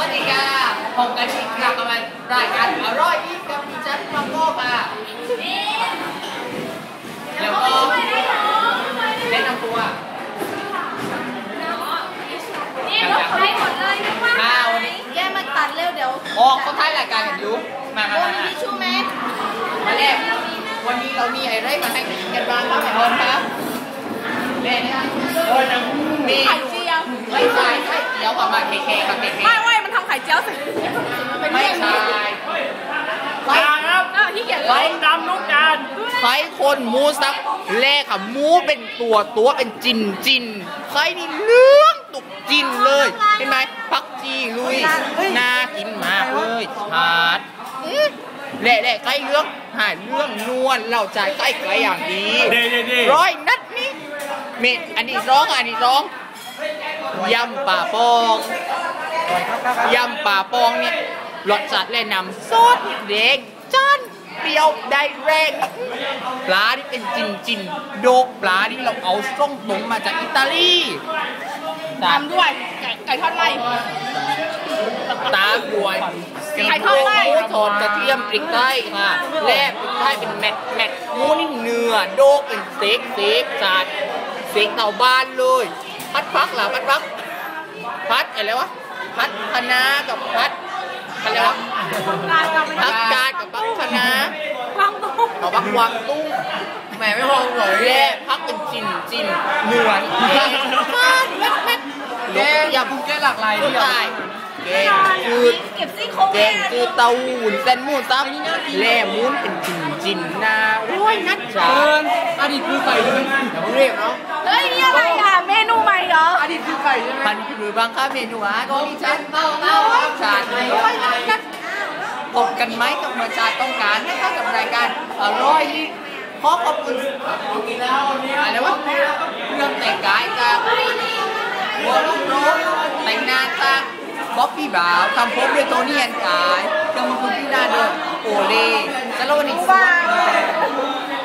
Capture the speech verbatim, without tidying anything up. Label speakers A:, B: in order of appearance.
A: ดีค่ะผมกันอีกครั้งกับรายการอร่อยที่กับดิฉันมังโก้ค่ะแล้วก็แนะนำตัว
B: นี่รถไฟหมดเลยนะว่า
A: มาวันนี้
B: แย่มาตัดเร็วเดี๋ยว
A: ออกเขาท้ายรายการกันอยู่มามามา
B: ทิชชู่ไหม
A: มาแรกวันนี้เรามีอะไรมาให้กินกันบ้างครับแม่บอลครับแม่เนี่ยมี
B: ไข่เจียว
A: ไม่ใช่ไข่เจียวกับมาเคเคกับเคเค
B: ไม่ไม่มันทำไข่เจียวสิ
A: ไม่ใช่
C: ไข่ครับ
B: ที่เกียจ
C: ไข่ดำลูกจาน
A: ไข่คนหมูสับแรกค่ะหมูเป็นตัวตัวเป็นจินจินไข่นี่เนื้อตุกจินเลยเห็นไหมพักจีลุยน่ากินมากเลยชาดแหละแหละไก่เรื่องหายเรื่องนวลเราจ่ายไก่ไก่อย่างดีร้อยนัดนี่เมดอันนี้ร้องอันนี้ร้องยำป่าปองยำป่าปองเนี่ยรสจัดและนำซอสเด็กจ้านเปรี้ยวได้แรงปลาที่เป็นจินจินโดกปลาที่เราเอาส่งตรงมาจากอิตาลี
B: ตามด้วยไก่ทอดไร่
A: ตาบวย
B: ไก่ทอดไร่
A: ทอดกระเทียมพริกไทยค่ะแลบพริกไทยเป็นแมทแมทหมูนี่เนื้อโดกเป็นเซ็กเซ็กจัดเซ็กเต่าบ้านเลยพัดพักเหรอพัดพักพัดอะไรวะพัดคะน้ากับพัดอะไรวะพักกาดกับพักคะน้าว
B: างตุ้ง
A: เอาพักวางตุ้งแหมไม่มองเลยแย่พักเป็นจินจินเหนือนแย่แม่แม่แย่อย่าพูดแค่หลากหลายที่ได้แกงคือ
B: เก็บซี่โครง
A: แกงคือเต้าหู้เส้นหมูซับแล่มุ้นเป็นจินจินนาโอ้ยนัดจ๋า
C: อดีตคือไก่ใช่ไหม
A: เดี๋ยวเรียกเนาะ
B: เฮ้ยนี่อะไรอ่ะเมนูใหม่เหรอ
C: อดีตคือไก่ใช่ไหม
A: มันคือบางค่าเมนูอ่ะก็มีชันเต้าเต้าชาติเลยนัดพบกันไหมกับประชาต้องการนะคะกับรายการอร่อยที่ขอขอบคุณอะไรวะเรื่องแต่งกายจากหัวลูกโรสแต่งหน้าจากบ๊อบบี้บ่าวทำผมด้วยโทนี่แอนกายเครื่องมือคุณที่หน้าเดิมโอเล่สโลนิกส์